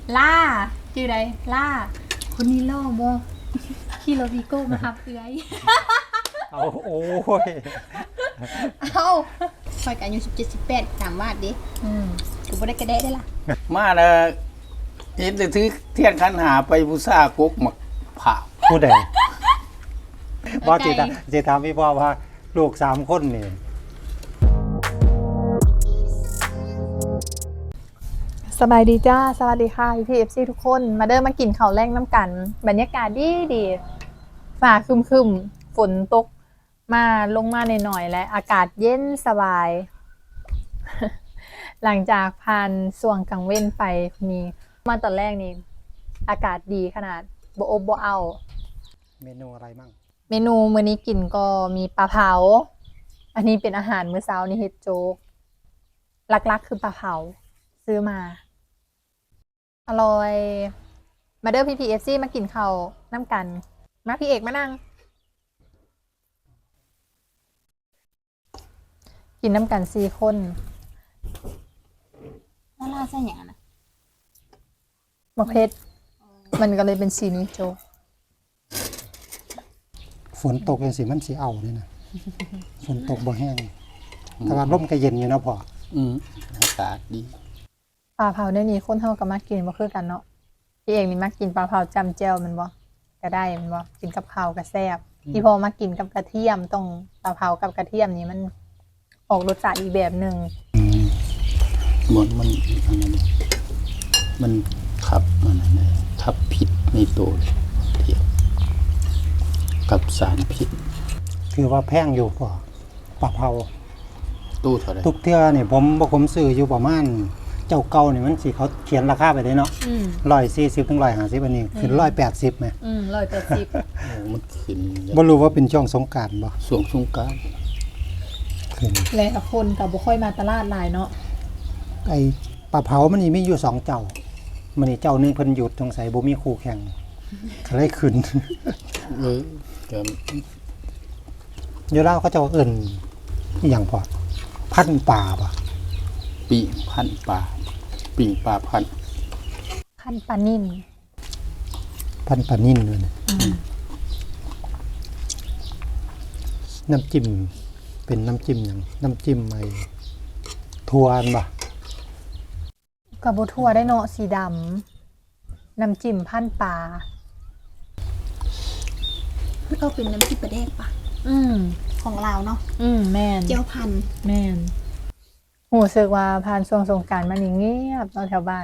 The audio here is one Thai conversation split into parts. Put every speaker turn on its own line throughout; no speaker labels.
ล่าชื่ออะไรล่าคนนี้ล่อโมขี่รถวีโก้มาครับเอื้อย
เอาโอ้ย
เอาคอยกันอายุ17 18ถามว่าดิกูบ่ได้กระเดะได้ล่ะ
มาแล้วเห็นแต่ถือเทียนขันหาไปบูชากกหมักผ่า
ผู้ใดว่าจิตามพี่พ่อว่าลูก3 คนนี่
สบายดีจ้าสวัสดีค่ะพี่เอฟซีทุกคนมาเดินมากินข้าวแรงน้ำกันบรรยากาศดีฝ่าครึมฝนตกมาลงมาหน่อยๆและอากาศเย็นสบาย หลังจากผ่านส่วงกลางเว้นไปนี้มาตอนแรกนี่อากาศดีขนาดบ่อบบ่เอา
เมนูอะไรมั่ง
เมนูมื้อนี้กินก็มีปลาเผาอันนี้เป็นอาหารมื้อเช้านี่เฮ็ดโจ๊กหลักๆคือปลาเผาซื้อมาอร่อยมาเด้อพี่พีเอฟซีมากินข้าวน้ำกันมาพี่เอกมานั่งกินน้ำกัน4 คน
แล้วล่าใส่หยังนะ
มะเพชรมันก็เลยเป็นสีนี้โจ๊ก
ฝนตกจังสิมันสิเอานี่นะฝนตกบ่แห้งแต่ว่าลมก็เย็นอยู่นะพ่อ
อากาศดี
ปลาเผาเนี่ยนี่คนเฮาก็มากินบ่คือกันเนาะพี่เอกนี่มากินปลาเผาจำแจ่วแมันบ่ก็ได้แมันบ่กินกับข้าวก็แซ่บพี่พอมากินกับกระเทียมต้องปลาเผากับกระเทียมนี่มันออกรสชาติอีกแบบหนึง
มันอันนั้นมันขับมันอะไรขับผิดในตัวเทียบกับสารพิษ
คือว่าแพงอยู่พ่อปลาเผา
ตู้เท่าไร
ทุกเทื่อนี่ผมซื้ออยู่ประมาณเจ้าเก่านี่มันสิเขาเขียนราคาไปได้เนาะ140ถึง150อันนี้ขึ้น180แหม
180
โอ้มันขึ้น
บ่รู้ว่าเป็นช่วงสงกรานต์บ่
ส่วงสงกรานต์
ขึ้น
แล้วคนก็บ่ค่อยมาตลาดหลายเนาะ
ไอ้ปลาเผามันนี่มีอยู่2 เจ้ามันนี่เจ้าหนึงเพิ่นหยุดสงสัยบ่มีคู่แข่งก็เลยขึ้น
ก็
อยู่ลาวเขาเจ้าเอิ้นอีหยังพอพันป่าบ่
ปีพันปลาปิ่งปลาพัน
ขั้นปลานิ่ม
พันปลานิ่นเลยนะน้ำจิ้มเป็นน้ำจิ้มหยังน้ำจิ้มไอ้ถั่วอันบ่
กับบ่ทั่วได้เนาะสีดำน้ำจิ้มพันปลา
เอาเป็นน้ำพริกปลาแดกปะ
อืม
ของลาวเนาะ
แม่น
เจียวพันธุ์
แม่นหูสึกว่าผ่านช่วงสงกรานต์มานี่เงียบเนาะแถวบ้าน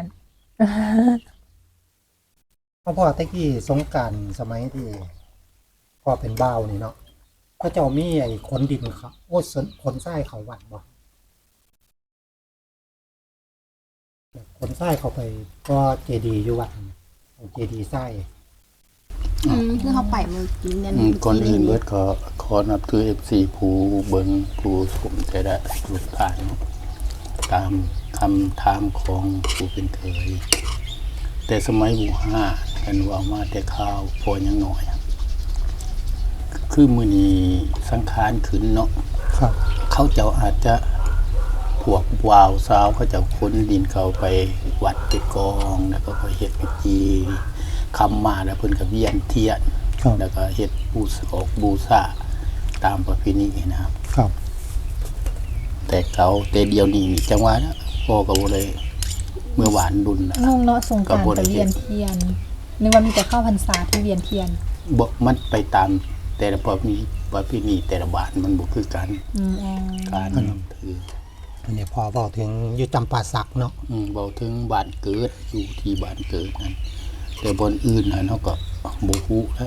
เพราะพ่อตะกี้สงกรานต์สมัยที่พ่อเป็นบ่าวนี่เนาะเขาเจ้ามีไอ้ขนดินเขาโอ้ขนทรายเขาวัดบ่ขนทรายเขาไปก็เจดีย์อยู่วัดนั่นเอาเจดีย์ทราย
คือเขาไปมือกินเนี่ย
ก่อนอื่นเบิดขอนับถือ FC ผู้เบิงผู้ชมใจได้ทุกท่านตามคำถามของผู้เป็นเคย แต่สมัยบูห้ากันว่ามาแต่ข้าวพอยังหน่อย คือมือนี้สังขารขึ้นเนาะ
ครับ
เขาเจ้าอาจจะพวกวาวสาวเขาจะขนดินเขาไปวัดไปกองแล้วก็ไปเฮ็ดพิธีคำมาแล้วเพิ่นก็เวียนเทียน
ครับ
แล้วก็เฮ็ดบูชาตามประเพณีนะครับ
ครับ
แต่เดียวนี้จังหวะนะพ่อก็บ่ได้เมื่อหวานดุลนะ
งงเนาะสงกรานต์
กระบวน
กับเวียนเทียนนึกว่ามีแต่เข้าพรรษาที่เวียนเทียน
บ่มันไปตามแต่ละประเพณีแต่ละบ้านมันบ่คือกัน
อ๋อ
การนับถือ
อันนี้พอบอกถึงอยู่จำปาสักเนาะ
เบาถึงบ้านเกิดอยู่ที่บ้านเกิดนั่นแต่บนอื่นน่ะเนาะก็บ่ฮู้แล้ว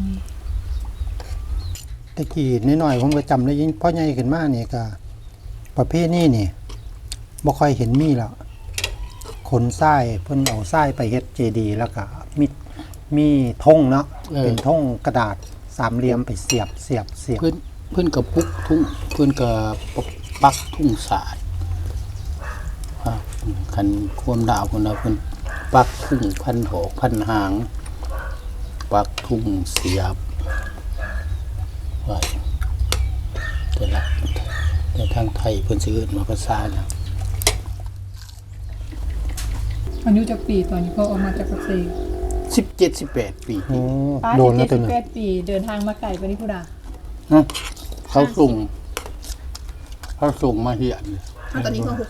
ตะกี้น้อยๆผมก็จำได้ยินพ่อใหญ่ขึ้นมานี่ก็ประเภทนี้นี่บ่ค่อยเห็นมีแล้วขนทรายเพิ่นเอาทรายไปเฮ็ดเจดีย์แล้วก็มีธงเนาะเป็นธงกระดาษสามเหลี่ยมไปเสียบ
เพิ่นก็ปุกทุ่งเพิ่นก็ปักทุ่งสาดครับคันความดาวเพิ่นน่ะเพิ่นปักทุ่งพันหอกพันหาง ปักทุ่งเสียบไว้แต่ทางไทยเพิ่นสิเอิ้นว่าภาษาหยัง
อายุจักปีตอนนี้พ่อออกมาจากปักเซ
17-18 ปี
โอ้
ป้า
โดนแล้วตัวหนึง
17 ปีเดินทางมาไกลปานนี้พุดา
นะเขาส่งมาเฮียน
ตอนนี้พ่อ68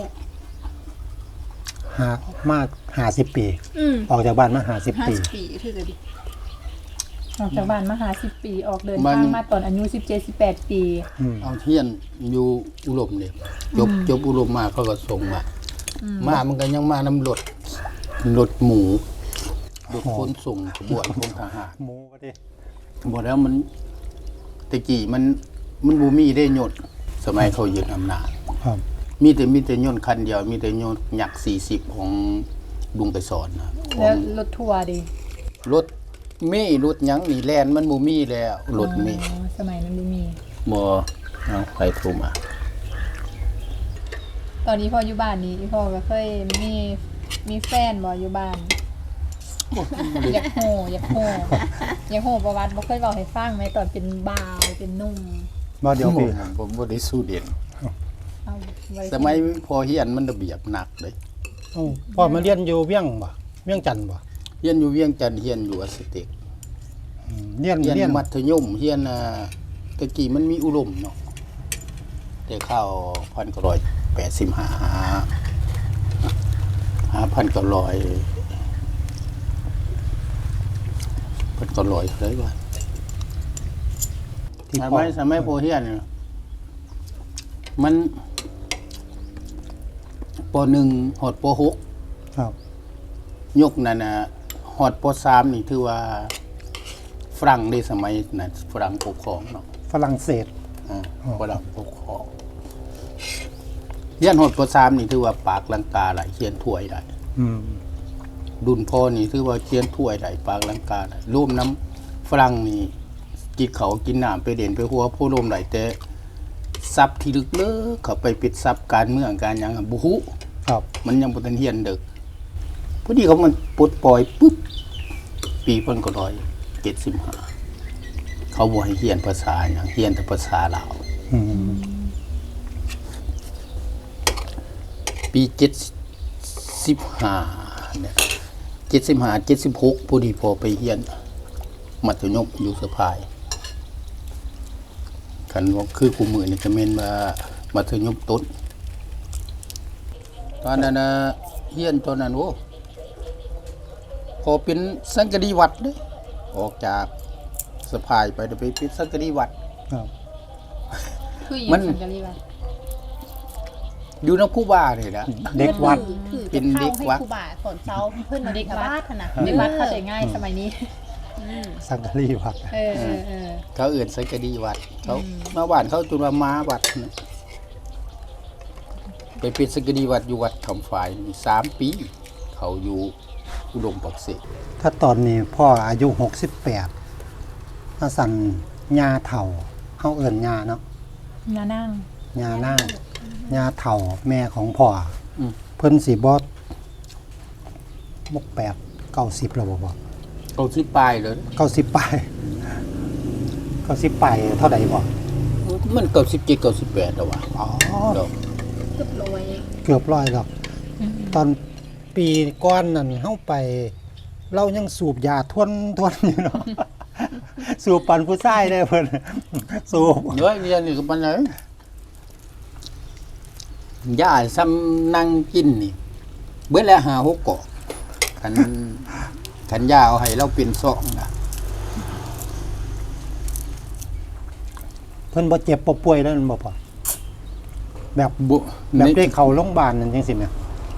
หามาก50 ปี ออกจากบ้านมา50 ปี
50 ปีถือกันดิ
ออกจากบ้านมา50 ปีออกเดินทางมาตอนอายุ17-18 ปี
เอาเฮียนอยู่อุดมเนี่ยจบอุดมมาเขาก็ส่งมามันก็ยังมานำรถหมูรถขนส่งขบวนของทหาร
หมูก็ดิ
บอกแล้วมันตะกี้มันบ่มีได้ยนต์สมัยเขายึดอำนาจ
ครับ
มีแต่ยนต์คันเดียวมีแต่ยนต์ยักษ์40ของลุงไปสอนนะขอ
แล้ว
ง
รถทัวร์ดิ
รถเมย์รถหยังนี่แลนมันบ่มีแล้วรถเมย์
อ๋อสมัยนั้นบ่มี
บ่เอาไปโทรมา
ตอนนี้พ่ออยู่บ้านนี้พ่อก็เคยมีแฟนบ่อยู่บ้าน อยากโหอยากโหประวัติบ่เคยเว้าให้ฟังแม้ตอนเป็นบ่าวเป็นหนุ่ม
บ่เดี๋ยวพี่
ผมบ่ได้สู้เด่น
เอาไว้
สมัยพอเฮียนมันระเบียบหนักเลย
เอ้าพ่อมาเรียนอยู่เวียงบ่เวียงจันทน์บ่
เฮียนอยู่เวียงจันทน์เฮียนอยู่อสเต็ก
เรียน
เฮียน
เรียน
มัธยมเฮียนตะกี้มันมีอุดมเนาะแต่เข้า1985หา1,900เท่าไหร่วะ
ที่
ส
พ่อ
มัยโพเฮียนเนี่ยมันป .1 ฮอดป
ครับ
.6 ยกนั่นน่ะฮอดป .3 นี่ถือว่าฝรั่งในสมัยนั้นฝรั่งปกครองเนาะ
ฝรั่งเศส
ฝรั่งปกครองเฮียนฮอดป .3 นี่ถือว่าปากลังกาหลายเขียนถ้วยได้
อืม
ดุนพ่อนี่ถือว่าเขียนถ้วยได้ปากลังกาได้ร่วมน้ำฝรั่งนี่กินเขาวกินน้ำไปเด่นไปหัวผู้ร่วมได้แต่ซับที่ลึกเลิกเขาไปปิดซับการเมืองการหยังอะบ่ฮู้
ครับ
มันยังบ่ทันเฮียนเด็กพอดีเขามันปลดปล่อยปุ๊บปีเพิ่นก็175เขาบ่ให้เฮียนภาษาหยังเฮียนแต่ภาษาลาว
อืม
ปี75เนี่ย75 76พอดีพอไปเฮียนมัธยมอยู่สะพายคันว่าคือกูมือนี่ก็แม่นว่ามัธยมต้นตอนนั้นน่ะเฮียนตอนนั้นโอ้พอเป็นสังกะดีวัดเด้ออกจากสะพายไปไปเป็นสังกะดีวัด
ครับ
คืออยู่
มัน
สังกะรีวัด
อยู่นำครูบานี่ล่ะ
เด็กวัด
ถือ
เป็น
จะ
เด็
เข้าก ให้
วัด
ครูบาสอนเช้าเพิ่นมาเด็กวัดน่ะ
เด็กวัดเข้าใจง่ายสมัยนี้
สังกะรีวัด
เออ
เขาเอื่นสังกะดีวัดเขามาบ้านเขาจุลมาวัดนะไปเป็นสังกะดีวัดอยู่วัดคำฝ่ายนี่3 ปี เขาอยู่อุดมปักเสก
ถ้าตอนนี้พ่ออายุ68ถ้าสั่นยาเฒ่าเฮาเอิ้นยาเนาะ
นานั่ง
ยานั่งยาเฒ่าแม่ของพ่ออเพิ่นสิบ่68 90แล้วบ่บ่
เขาสิปลายเลย
90ปลาย90ปลายเท่าใดบ่
มัน97 98แล้วว่ะ
อ๋อ
ดอก
เกือบร้อย
เกือบร้อยแล้วตอนปีก่อนนั่นเฮาไป เรายังสูบยาทวนอยู่เนาะ สูบปันผู้ชายได้เพิ่นสูบ
เยอะเรียนนี่ก็ปานไหนย่าซ้ำนั่งกินนี่เบิดแล้ว5 6กอกคันย่าเอาให้เราเป็นซองนะ
เพิ่นบ่เจ็บบ่ป่วยแล้วนั่นบ่พ่อแบบ
บุ
แบบได้เข้าโรงพยาบาลนั่นจังซี่แหม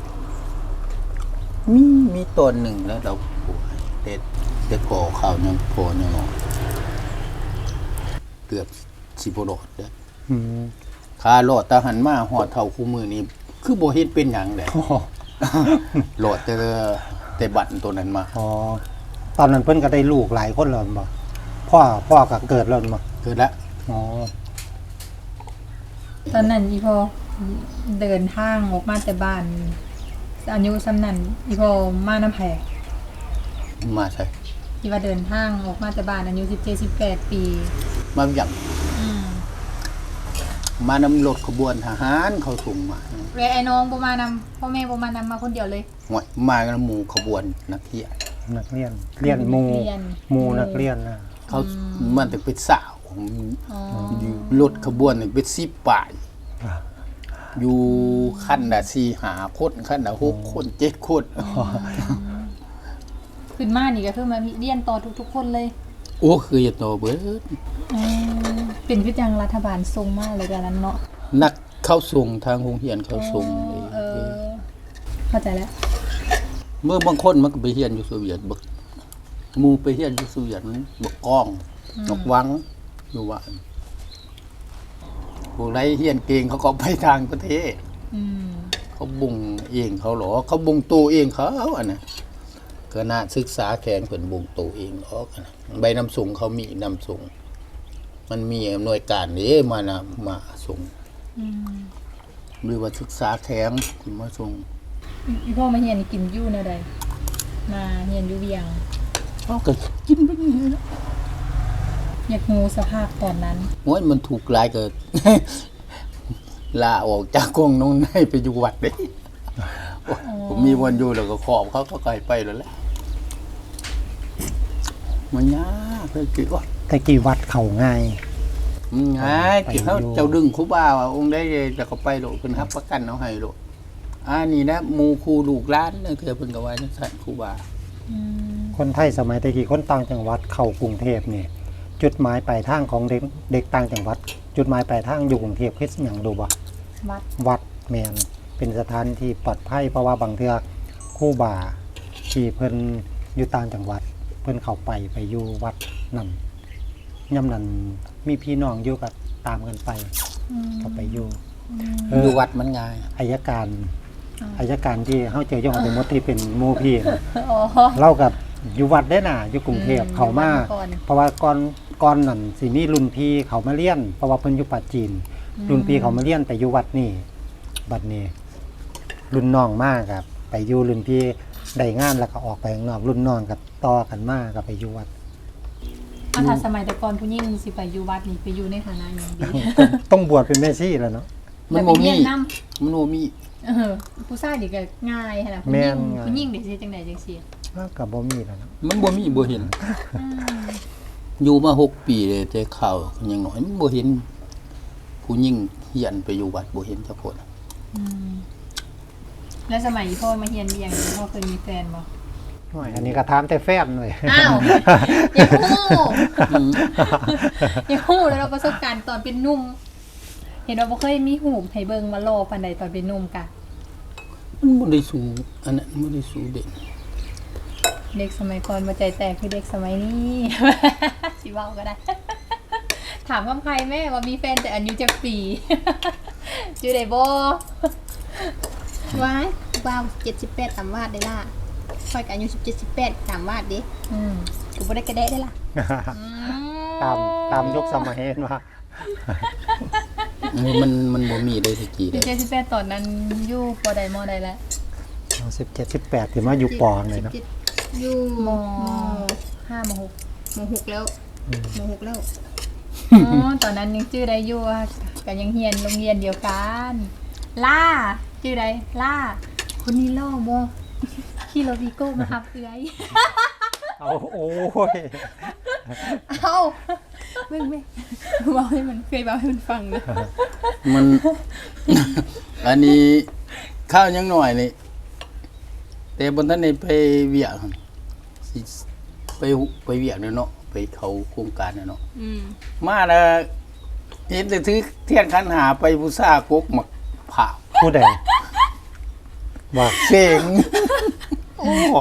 มีตอนหนึ่งแล้วเราป่วยแต่ก่อข่าวยังพอยังงอเกือบสิบ่รอดเด้อ
อืม
คารอดตาหันมาหอดเท่าคู่มือนี่คือบ่เฮ็ดเป็นหยังแหละ
อ๋อ
รอดแต่บัตรตัวนั้นมา
อ๋อตอนนั้นเพิ่นก็ได้ลูกหลายคนแล้วบ่พ่อก็เกิดแล้วบ่
เกิดแล้ว
อ๋อ
ตอนนั้นอีพอเดินทางออกมาแต่บ้านอายุสำนันอีพอมาน้ำแพง
มาใช่
ที่ว่าเดินทางออกมาแต่บ้านอายุ17-18 ปี
มาอย่างมานำรถขบวนทหารเขาส่งมา
เลยไอ้น้องบ่มานำพ่อแม่บ่มานำมาคนเดียวเลย
ห่วยมากันหมู่ขบวนนักเที่ยว
นักเรียนเรียนหมู่นักเรียนนะ
เขามันถึงเป็นสาว
อ๋อ
อยู่รถขบวนนี่เป็น10ป่าย อยู่ขั้นละ4-5 คนขั้นละ6 คน7 คน
ขึ้นมานี่ก็คือมาเรียนต่อทุกๆคนเลย
โอ้คืออย่าโตเบิด
เป็นคือจังรัฐบาลทรงมากเลยกันนั้นเนาะ
นักเข้าส่งทางโรงเรียนเข้าส่ง
เข้าใจแล้ว
เมื่อบางคนมันก็ไปเรียนอยู่โซเวียตบักหมู่ไปเรียนอยู่โซเวียตมันบักก้องนกวังอยู่ว่าพวกไรเรียนเก่งเขาก็ไปทางประเทศ
อืม
เขาบุงเองเขาหรอเขาบุงตัวเองเขาอันน่ะก็น่าศึกษาแข่งเพิ่นบุงตัวเองหรอกอันน่ะใบนำส่งเขามีนำส่งมันมีหน่วยการนี้มาส่ง
อืม
หรือว่าศึกษาแข่งมาส่ง
อีพ่อมาเฮียนนี่กินอยู่แนวใดมาเฮียนอยู่เวียง
เขาก็กินไปนี่นะ
อยากงูสภาพตอนนั้น
โอ้ยมันถูกหลายเกิด ลาออกจากกองน้องในไปอยู่วัดเด้ผมมีวันอยู่แล้วก็ขอบเขาก็ไกลไปแล้วแหละมันยากเลยกี่ว่า
แต่กี่วัดเขาง่าย
มันง่าย
ไป
กี่เขา
อยู่
เจ้าดึงครูบาว่าองค์ได้แต่เขาไปโลดเพิ่นรับประกันเอาให้โลดนี่นะหมู่ครูลูกหลานเนี่ยคือเพิ่นก็ว่าจังซั่นครูบา
อืม
คนไทยสมัยตะกี้คนต่างจังหวัดเข้ากรุงเทพนี่จุดหมายปลายทางของเด็กต่างจังหวัด จุดหมายปลายทางอยู่กรุงเทพคือหยังดูบ่
วัด
วัดแมนเป็นสถานที่ปลอดภัยเพราะว่าบางเทื่อครู่บ่าที่เพิ่นอยู่ต่างจังหวัด เพิ่นเข้าไปอยู่วัดนั่นย่ำนั้นมีพี่น้องอยู่ก็ตามกันไป ก็ไปอยู่
อยู่วัดมันง่าย
อายการที่เฮาเจอยองสมมติที่เป็นหมู่พี่น่ะ
อ๋อ
เล่ากับอยู่วัดได้น่ะอยู่กรุงเทพเขามา
อยู่วัดมาก่อน
เพราะว่าก่อนนั่นสิมีรุ่นพี่เขามาเรียนเพราะว่าเพิ่นอยู่ปัจจีน รุ่นพี่เขามาเรียนไปอยู่วัดนี่บัดนี้ รุ่นน้องมากครับไปอยู่รุ่นพี่ได้งานแล้วก็ออกไปข้างนอกรุ่นน้องกับต่อกันมากก็ไปอยู่วัด
ถ้าสมัยแต่ก่อนผู้หญิงสิไปอยู่วัดนี่ไปอยู่ในฐานะอย่างดี
ต้องบวชเป็นแม่ชีแล้วเนาะ
มัน
แต่
บ่
ไปเรี
มี
ยนนำ
มันบ่มี
ผู้ชายนี่ก็ง่ายขนาด
แม่
ผู้หญิง
นง่าย
ผู้หญิงได้สิจังได๋จังซี่
ก็บ่มีแล้วเนาะ
มันบ่มีบ่เห็น อยู่มา6 ปีเลยแต่ข่าวยังน้อยมันบ่เห็น ผู้หญิงเฮียนไปอยู่วัดบ่เห็นจักคน
แล้วสมัยพ่อมาเฮียนเวียงพ่อเคยมีแฟนบ่
โอ้ยอันนี้ก็ถามแต่แฟนเลย
อ้าวอย่าฮู้อย่าฮู้แล้วเราประสบการณ์ตอนเป็นหนุ่ม เห็นว่าบ่เคยมีหูปให้เบิ่งมาโลปานใดตอนเป็นหนุ่มกะ
มันบ่ได้สู้อันนั้นบ่ได้สู้เด็ก
เด็กสมัยก่อนมาใจแตกคือเด็กสมัยนี้ สิเว้าก็ได้ ถามคำใครแม่ว่ามีแฟนแต่อายุจักปี อยู่ได้บ่
ว้ายว้าว78ตามวาดได้ล่ะค่อยก็อายุ17 18ตามวาดดิ กูบ่ได้กระเดะได้ล่ะ
ตามยุคสมัยเห็นว่า
มันบ่มีได้สักกี่
อยู่
ได้
78ตอนนั้นอยู่ปอใดมอใดแล้ว
17 18ที่มาอยู่ปองเลยเนาะ
17อยู่
ม
ม
5ม6
ม6แล้วม6แล้ว
อ๋อตอนนั้นยังชื่อได้อยู่ว่าก็ยังเรียนโรงเรียนเดียวกันล่าชื่อใดล่าคนนี้ล่อบ่ขี่รถวีโก้มารับเอื้อย
เอาโอ้ย
เอ้าไม่เว้าให้มันเคยเว้าให้มันฟังนะ
มัน อันนี้ข้าวยังหน่อยนี่แต่บนท่านนี่ไปเวียกหั่นสิไปเวียกเนาะไปเขาโครงการเนาะมาแล้วเห็นแต่ถือเทียนขันหาไปผู้ซ่ากกหมักผ่า
ผู้ใดว่า
เก่ง โอ้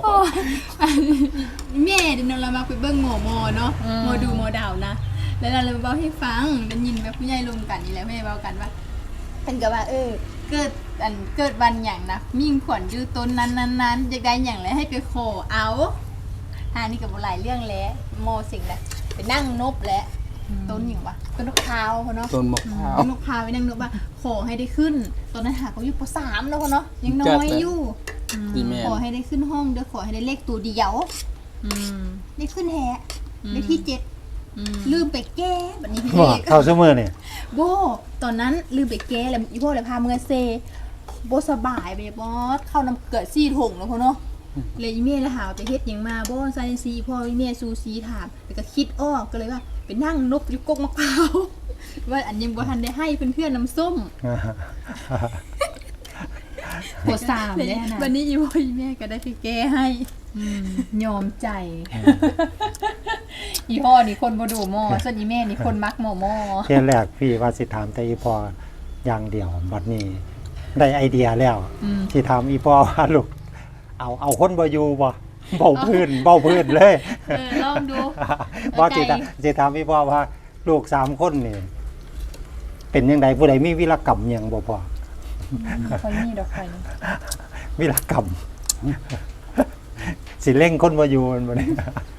แม่เดี๋ยวเรามาไปเบิ่งหมอเนาะหมอดูหมอดาวนะแล้วเราเลยเว้าให้ฟังได้ยินแบบผู้ใหญ่รวมกันนี่แหละแม่เว้ากันว่าเพิ่นก็ว่าเกิดวันหยังนะมิ่งขวัญอยู่ต้นนั้นอยากได้หยังแล้วให้ไปขอเอานี่ก็บ่หลายเรื่องแล้วโมสิ่งแหละไปนั่งนบแล้วต้นหยังวะต้นนกพร้าวเนาะ
ต้นมะพร้าว
ต้นนกพร้าวไปนั่งนบว่าขอให้ได้ขึ้นตอนนั้นหาเขาอยู่ป .3 แล้วเนาะยังน้อยอยู่
ที่แม่
ขอให้ได้ขึ้นห้องเด้อขอให้ได้เลขตัวเดียวได้ขึ้นแฮะได้ที่7 ลืมไปแก้บัดนี้พี่
บ่
เอก
เข้าซุมื้อนี่
โบตอนนั้นลืมไปแก้แล้วอีพ่อเลยพาเมื่อเซโบสบายไปบอสเข้าน้ำเกิดซี่ถงแล้วพ่อเนาะเลยอีเมลเลยหาว่าไปเฮ็ดหยังมาโบซาเนซีพ่ออีเมลซูซีถามแต่ก็คิดอ้อก็เลยว่าไปนั่งนบอยู่กกมะพร้าวว่าอันยังบ่ทันได้ให้เพื่อนๆน้ำส้ม
หัวสามเนี่ยนะ
วันนี้อีพ่ออีแม่ก็ได้ไปแก้ให้
ยอมใจ อีพ่อนี่คนบ่ดูหม้อส่วนอีแม่นี่คนมักหม้อ
เที่ยแรกพี่ว่าสิถามแต่อีพออย่างเดียวบัดนี้ได้ไอเดียแล้วที่ถามอีพอว่าลูกเอาคนบ่อยู่บ่เบาพื้นเลย
ลองดู
ว่าสิถามอีพอว่าลูก3คนนี่เป็นจังไดผู้ใดมีวีรกรรมหยังบ่พอ
ค่อยมีดอกไฟนี่
วีรกรรม สิเร่งคนบ่อยู่มันบ่ได้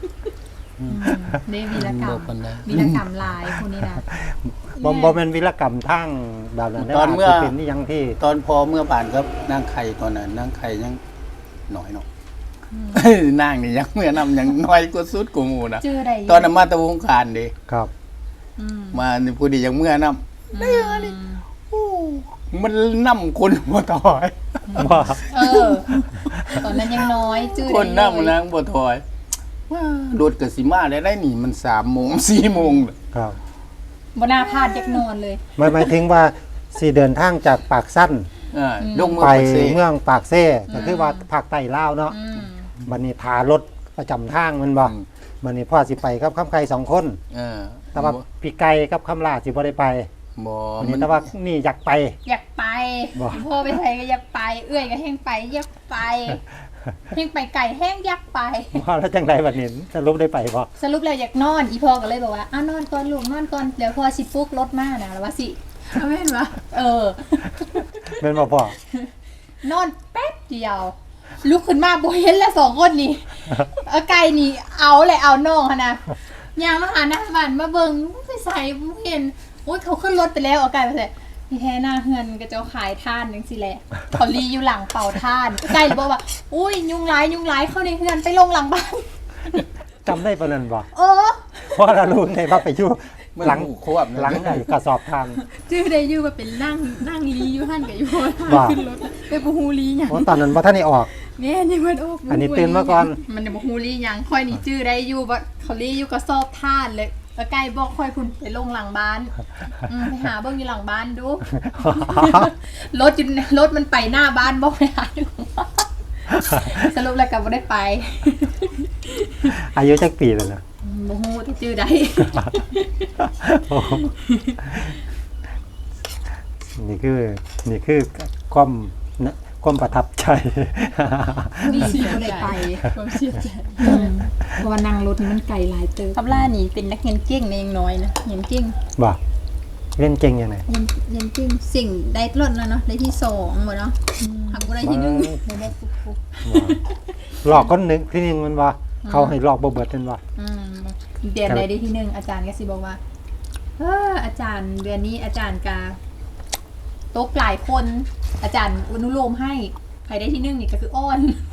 ได้วีรกรร
บ่
ม
ปานใด
วีรกรรมหลายคนนี้นะ
บ่แม่นวีรกรรมทางแบบนั้น
ตอนเมื่อ
าจจะเป็นอีหยังที่
ตอนพอเมื่อผ่านครับนางไข่ตอนนั้นนางไข่ยังน้อยเนาะนางนี่ยังเมื่อนำยังน้อยกว่าสุดกูหมู่นะ
ชื่อใด
ตอนนั้นมาตะวงการเด้
ครับ
มานี่ผู้ดียังเมื่อนำได้อะไรโอ้มันนำคนบ่ถอย
ว่า
ตอนนั้นยังน้อยชื่อ
คน
ใด
นำนางบ่ถอยว่ารถก็สิมาได้นี่มัน3 โมง 4 โมง
ครับ
บ่น่าพลาดยักนอนเลย
หมายถึงว่าสิเดินทางจากปากสั้น
ลงมือ
ไป
ปักเส
เมืองปากเซ่ก็คือว่าภาคใต้ลาวเนาะ
อืม
บัดนี้ทารถประจำทางมันบ่บัดนี้พ่อสิไปกับคำไก่2 คน แต่ว่าพี่ไก่กับคำลาสิบ่ได้ไป
บ่
บัด
มั
นี้
น
แต่ว่านี่อยากไป
อยากไป
บ่
พ่อไปไทยก็อยากไป เอื้อยก็แห้งไปอยากไปแห้งไปไก่แห้งอยากไป
ว่าแล้วจังไดบัดนี้สรุปได้ไปบ่
สรุปแล้วอยากนอนอีพ่อก็เลยบอกว่าอ้าวนอนก่อนลูกนอนก่อนเดี๋ยวพ่อสิปลุกรถมานะแล้วว่าสิ
เอาแม่นวะ
เออ
แม่นบ่พ่อน
อนแป๊บเดียวลุกขึ้นมาบ่เห็นแล้ว2 คนนี่เอาไก่นี่เอาเลยเอาน้องหั่นนะยางมาหาหน้าบ้านมาเบิ่งไปใส่บ่เห็นโอ้ยเขาขึ้นรถไปแล้วเอาไก่ไปใส่ที่แท้หน้าเฮือนก็เจ้าขายท่านจังซี่แหละเขาลีอยู่หลังเป่าท่านไก่บอกว่าอุ้ยยุงหลายเข้าในเฮือนไปลงหลังบ้าน
จำได้ปานนั้นบ่
เออ
เพราะเรารู้ไงว่าไปอยู่หลัง
ควบ
หลังไอ้กระสอบทาน
ชื่อได้อยู่ว่าเป็นนั่งลีอยู่หั่นกับอยู่
ว่า
ขึ้นรถไปบ่ฮู้ลีหยัง
เพราะตอนนั้นบ่ทันได้ออก
แม่ยังมันโอ้
อันนี้ตื่นมาก่อน
มันจะบ่ฮู้ลีหยังค่อยนี่ชื่อได้อยู่ว่าเขาลีอยู่ก็สอบท่านเลยแล้วไก่บอกค่อยพุ่นไปลงหลังบ้านไปหาเบิ่งอยู่หลังบ้านดู รถมันไปหน้าบ้านบอกไปหาอยู่หลังบ้านสรุปแล้วก็บ่ได้ไป
อายุจักปีแล้วนะ
บ่ฮู้ที่ชื่อใด
นี่คือความประทับใจ
นี่สิบ่ได้ไป
ความเสียใจ
เพราะว่านั่งรถนี่มันไกลหลายเติบคำล่านี่เป็นนักเรียนเก่งในยังน้อยนะเรียนเก่ง
บ่เล่นเก่งยังไง
เรียนจริงสิ่งได้รถแล้วเนาะได้ที่2หมดเนาะหักบ่ได้ที่1
ไม่ได้ฟุก
หลอกคนหนึงที่นึงมันว่าเขาให้หลอกบ่เบิดนั่นว่า
เดือนใดได้ที่ 1อาจารย์ก็สิบอกว่าอาจารย์เดือนนี้อาจารย์กาตกหลายคน อาจารย์อนุโลมให้ใครได้ที่ 1นี่ก็คืออ้อน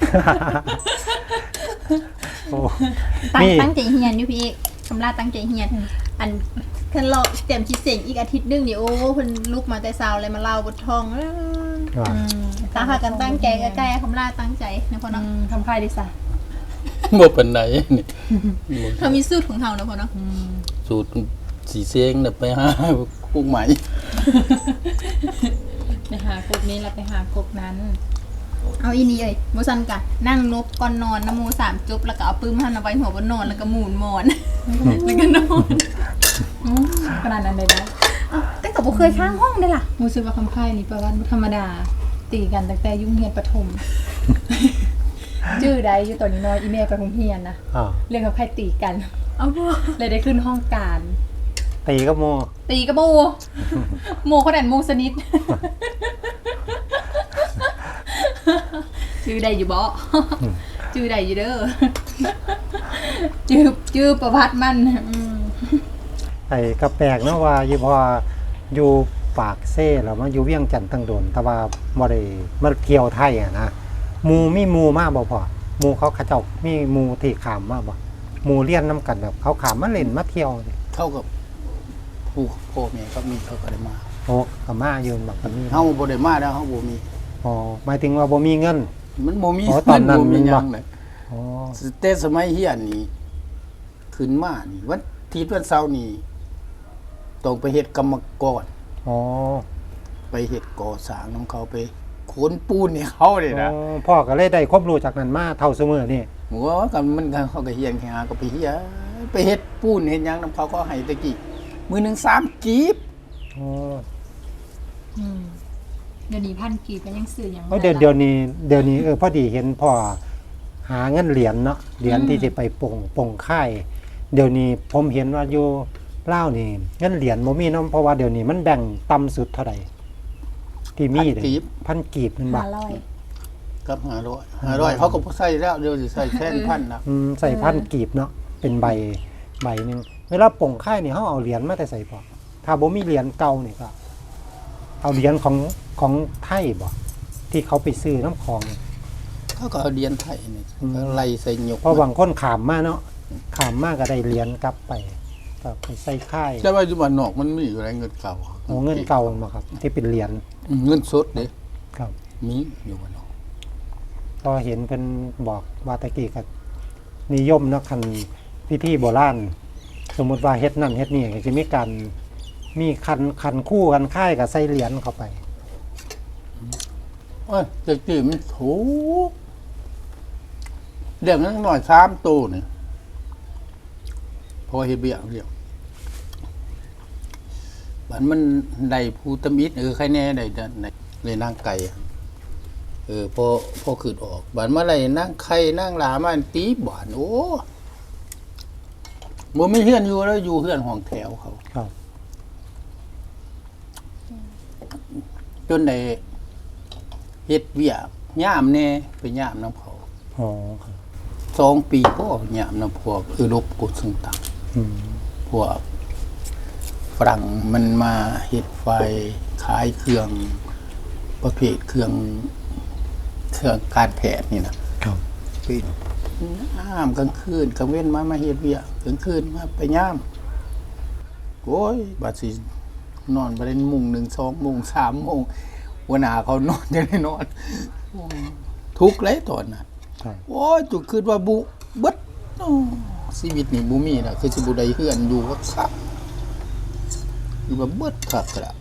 โอ้
ตั้งใจเฮียนอยู่พี่คำลาตั้งใจเฮียนอันเพิ่นรอเตรียมคิดเสียงอีกอาทิตย์นึงนี่โอ้เพิ่นลุกมาแต่เช้าเลยมาเล่าบททอง
ว่า
ตาหากันตั้งใจใกล้ๆคำลาตั้งใจนะพ่อเนาะ
ทำค่ายดีซะ
บ่ปานใดนี่บ่
เขามีสูตรของเขานะพ่อเนาะ
สูตรสีเสียงน่ะไปหาพวกใหม่
ไปหากบนี้แล้วไปหากบนั้น
เอาอีนี่เอ้ยบ่ซั่นกะนั่งนบก่อนนอนนะโม3จุบแล้วก็เอาปื้มหั่นเอาไว้หัวบนนอนแล้วก็หมุนหมอน แล้วก็นอน
ขนาดนั้นเลยนะ
แต่ก็บ่เคยข้างห้องเด้ล่ะ
รู้สึกว่าคำค่ายนี่ประวัติธรรมดา ตีกันตั้งแต่ยุ่งเฮียนประถม ชื่อใดอยู่ตอนนี้น้อยอีเมลไปโรงเรียนนะ
อ้าว
เรื่องกับใครตีกัน
เอาบ่
เลยได้ขึ้นห้องการ
ตีกับโม
ตีกับโม โมเขาแดนโมสนิท ชื่อใดอยู่บ่ ชื่อใดอยู่เด้อ ชื่อประวัติมันม
ไอ้กระแปลกเนาะว่าอยู่พออยู่ปากเซ่แล้วมาอยู่เวียงจันทน์ตั้งโดนแต่ว่าบ่ได้มาเที่ยวไทยอ่ะนะหมู่มีหมู่มาบ่พอหมู่เขาเจ้ามีหมู่ที่ข้ามมาบ่หมู่เรียนนํกันแบบเขาขามมาเล่นมาเที่ยวนี่
เท่ากับผู้พ่อแม่เขามีเขาก็ได้มา
โอ้ก็มาอยู่บักก็มี
เฮาบ่ได้มาแล้วเฮาบ่มี
อ๋อหมายถึงว่าบ่มีเงิน
มันบ่มี
อ๋อตอนนั้น
บ่มีห
มันบ่
ยังเลย
อ๋อ
แต่สมัยเฮียนนี่ขึ้นมานี่วันอาทิตย์วันเสาร์นี่ต้องไปเฮ็ดกรรมกร
อ๋อ
ไปเฮ็ดก่อสร้างนํเขาไปขนปูนให้เขานี่นะ
อ๋อพ่อก็เลยได้ความรู้จากนั้นมาเท่าเสมอนี่
หัวก็มันก็เขาก็เฮียนแค่หาก็ไปเฮียไปเฮ็ดปูนเฮ็ดหยังนํเขาก็ให้ตะกี้มื้อหนึง3กีบ
อ๋อ
เดี๋ยวนี้พันกีบก็ยังซื้อหยัง
เพราะเดี๋ยวนี้พอดีเห็นพ่อหาเงินเหรียญเนาะเหรียญที่จะไปปงค่ายเดี๋ยวนี้ผมเห็นว่าอยู่ลาวนี่เงินเหรียญบ่มีเนาะเพราะว่าเดี๋ยวนี้มันแบ่งต่ำสุดเท่าใดที่มีเลยพันกีบมันบ่
500
กับ500เขาก็บ่ใส่แล้วเดี๋ยวสิใส่แทนพันนะ
ใส่พันกีบเนาะเป็นใบหนึงเวลาปงค่ายนี่เฮาเอาเหรียญมาแต่ใส่พ่อถ้าบ่มีเหรียญเก่านี่ก็เอาเหรียญของไทยบ่ที่เขาไปซื้อน้ำของ
เขาก็เอาเหรียญไทยนี่ก็ไล่ใส่หยก
เพราะบางคนขามมาเนาะขามมาก็ได้เหรียญกลับไปก็ไปใส่ค่าย
แต่ว่าอยู่บ้านนอกมันมีอยู่แล้วเงินเก่า
โอ้เงินเก่ามาครับ ที่เป็นเหรียญ
เงินสดเด้
ครับ
มีอยู่บ้านนอก
พอเห็นเป็นบอกว่าตะกี้ก็นิยมเนาะคันพิธีโบราณสมมุติว่าเฮ็ดนั่นเฮ็ดนี่ก็จะมีการมีคันคู่กันค่ายกับใส่เหรียญเข้าไป
โอ้ยตะกี้มันถูกเด็กนั้นหน่อย3ตู้นี่พอเฮ็ดเบี้ยเรียกบัดมันได้ผู้ตำอิดใครแน่ได้เลยนางไก่อะพอขึ้นออกบัดมาไล่นางไข่นางหลามาตีบานโอ้บ่มีเฮือนอยู่แล้วอยู่เฮือนห้องแถวเขา
ครับ
จนได้เฮ็ดเวียกย่ามแน่ไปย่ามน้ำเขา
อ๋อครับ
2 ปีพ่ย่ามน้ำพวกรบกดซึ่งต่าง
อืม
พวกฝรั่งมันมาเฮ็ดไฟขายเครื่องประเภทเครื่องการแพทย์นี่นะครับ ปิดย่ามกลางคืนกลางเว้นมาเฮ็ดเวียกกลางคืนมาไปย่ามโอ้ยบัดสินอนบ่ได้โมง1 2โมง3โมงหัวหน้าเขานอนจังได้นอนทุกข์เลยตอนนั้น
ครับ
โอ้ยจุคิดว่าบุเบิดโอ้ชีวิตนี่บ่มีน่ะคือสิบ่ได้เฮือนอยู่ว่าคักคือว่าเบิดคักแล้ว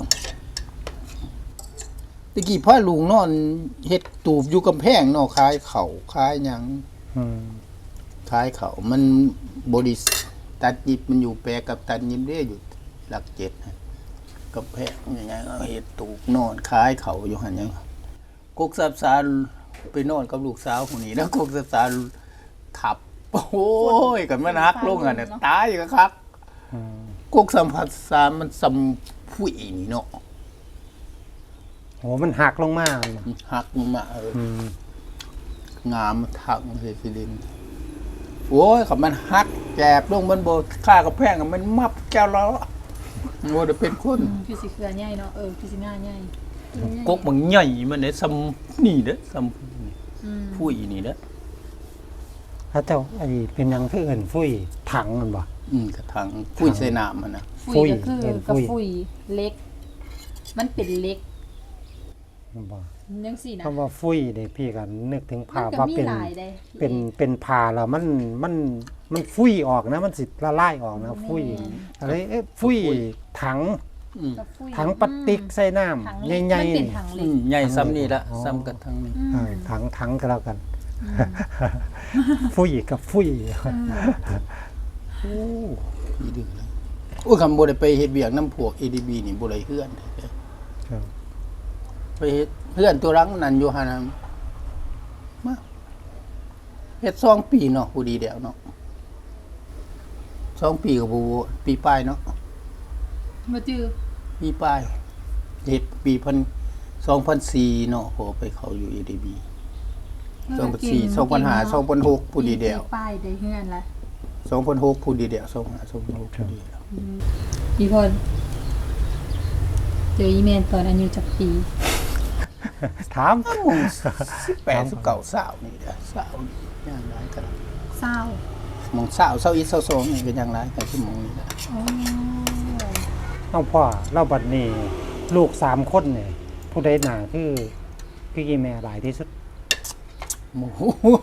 ตะกี้พาลุงนอนเฮ็ดตูบอยู่กำแพงเนาะขายข้าวขายหยัง
อืม
ขายข้าวมันบริษัทตัดยิบมันอยู่แปรกับตัดยิบเด้อยู่หลัก7นะกำแพงใหญ่ๆเอาเฮ็ดตูบนอนขายข้าวอยู่หั่นหยังกกสับสารไปนอนกับลูกสาวคนนี้แล้วกกสับสารขับ โอ้ยกันมันหักลงอ่ะเนี่ยตายก็คัก
อืม
กกสัมผัสสารมันสำผู้อีนี่เนาะ
โหมันหักลงมา
หักมันมา
อืม
งามมันทักมันเสิลินโอ้ยขับมันหักแกบลงมันโบค่ากับแพงอะมันมับแก้วแล้วโอ้จะเป็นคน
คือสิเครือใหญ่เนาะคือสิหน้าใหญ่
กกมันใหญ่มันเนี่ยซ้ำนี่เด้อซ้ำผู้อีนี่เด้อ
ถ้าเจ้าไอ้เป็นหยังคือเอิ้นฟุ้ยถังมันบ่
กระถังผู้ใส่น้ำมันนะ
ฟุยก็คือ
เห็นฟุ
กับ
ย
ฟุยเล็ก มันเป็นเล็ก
มันบ่
จังซี่นะ
คำว่าฟุ้ยเด้พี่ก็นึกถึง
มั
ภาพ
ก็
ว่า
มี
เป็น
หลายได้
เป็นผ้าแล้วมันฟุ้ยออกนะ มันสิละลายออกนะฟุ้ยอะไรฟุ้ยถัง
กับฟุย
ถังพลาสติกใส่น้
ถัง
ำ
เล็ก
ใหญ่
มันเป็น
ๆ
ถังเล็
อื
ก
มใหญ่ซ้ำนี่ละ
อ๋อ
ซ้ำกันทั้งนี้
ถังก็แล้วกัน ฟุ้ยกับฟุ้ย
โอ้ยดื้อเลยโอ้ยคำบ่ได้ไปเฮ็ดเวียกน้ำพวก ADB นี่บ่ได้เฮือนเด้อ
ครับ
ไปเฮ็ดเฮือนตัวรังนั่นอยู่หั่นน่ะมาเฮ็ด2 ปีเนาะผู้ดีแล้วเนาะ2 ปีก็บ่ปีปลายเนาะ
บ่จื้อ
ปีปลายเฮ็ดปี2004เนาะพอไปเข้าอยู่ ADB 2004 2005 2006ผู้ดีแล้ว
ป้ายได้เฮือนละ
2006ผู้ดีแล้ว2005 2006ผู้ดีแล้ว
พี่พลเจออีเมลตอนอายุจักปี
ถาม
18 19 20นี่เด้อ20ย่างหลายกัน
เศร้า
โมงเช้าเช้าอีกเช้าสองนี่ก็ยังหลายกับชั่วโมงนี่แหละ
เอาพ่อเล่าบัดนี้ลูก3คนเนี่ยผู้ใดหนาคือพี่แม่หลายที่สุด
โอ้โห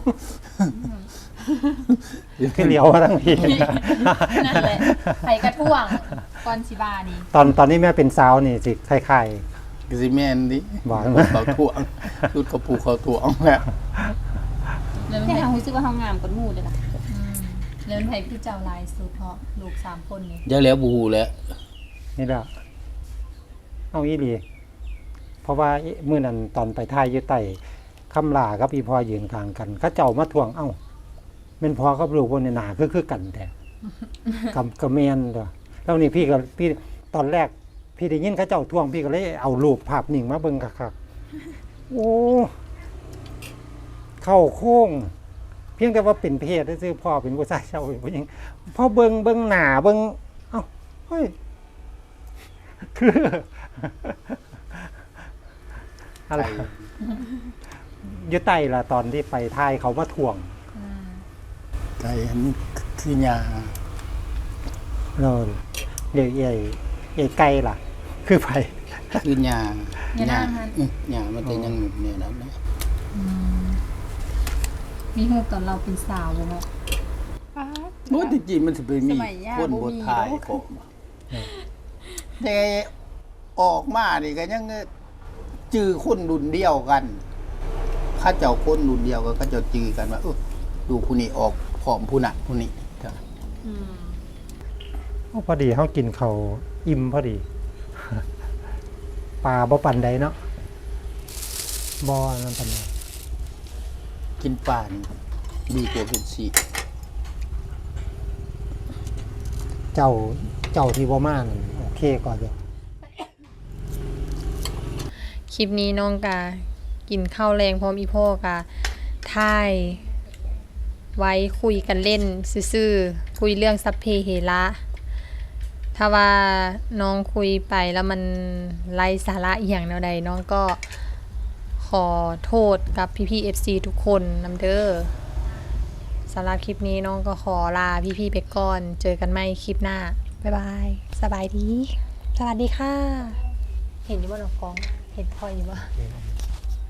คือเหลียวมาทั้งที
นั่นแหละไผกระท่วงก่อนสิบานี่
ตอนนี้แม่เป็นสาวนี่สิคล้าย
กสิแม่นดิ
หวาน
เขาถ่วงชุดเขาผูกเขาถ่วงแล้ว
แล้ว
แต่เฮารู้สึกว่าเฮางามกว่าหมู่เด้อล่ะ
แล้วไผคือเจ้าหลายสุดเพราะลูก3คนนี่
เดี๋ยวแล้วบูแล้ว
ๆนี่แหละเอาอีหลีเพราะว่ามื้อนั้นตอนไปท่ายอยู่ใต้คำลากับอีพ่อยืนข้างกันเขาเจ้ามาทวงเอ้าแม่นพ่อกับลูกบนหนาคือกันแต่ กับแม่นเด้อแล้วนี่พี่ตอนแรก พี่ได้ยินเขาเจ้าทวงพี่ก็เลยเอารูปภาพนิ่งมาเบิ่งคักๆโอ้เข้าโค้ง เพียงแต่ว่าเป็นเพศซื่อๆพ่อเป็นผู้ชายเจ้าเป็นผู้หญิงพอเบิ่งหน้าเบิ่งเอ้าเฮ้ยคือ อะไรอยู่ใต้ละตอนที่ไปท่ายเขามาทวง
ไก่อันนี้คือยา
เราเดี๋ยวใหญ่ไกลล่ะ คือไป
คือยา
อย่านั่งหั่น
ยามันจะยังหนุนเนี่ยนะ
มีฮู้ตอนเราเป็นสาวบ่เนาะ
โอ้จริงๆมันจะไปมีคนบททายผมแต่ออกมานี่ก็ยังจื้อคนรุ่นเดียวกันข้าเจ้าคนรุ่นเดียวก็จะจื้อกันว่าดูผู้นี้ออกผอมผู้หนักผู้นี้จ้ะ
พอดีเขากินเขาวอิ่มพอดี ปลาบ่ปันใดเนาะบ่นั่นปันใด
กินป่านี่ดีกว่ากินสี
เจ้าที่บ่มานั่นโอเคก่อนเดียว
คลิปนี้น้องกากินข้าวแรงพร้อมอีพ่อกาท่ายไว้คุยกันเล่นซื่อๆคุยเรื่องสัพเพเหระถ้าว่าน้องคุยไปแล้วมันไร้สาระอหย่างแนวใดน้องก็ขอโทษกับพี่ๆ FC ทุกคนนำเด้อสำหรับคลิปนี้น้องก็ขอลาพี่ๆไปก่อนเจอกันใหม่คลิปหน้าบ๊ายบายสบายดีสวัสดีค่ะ เห็นอยู่บ่น้องกองเห็นพ่ออยู่บ่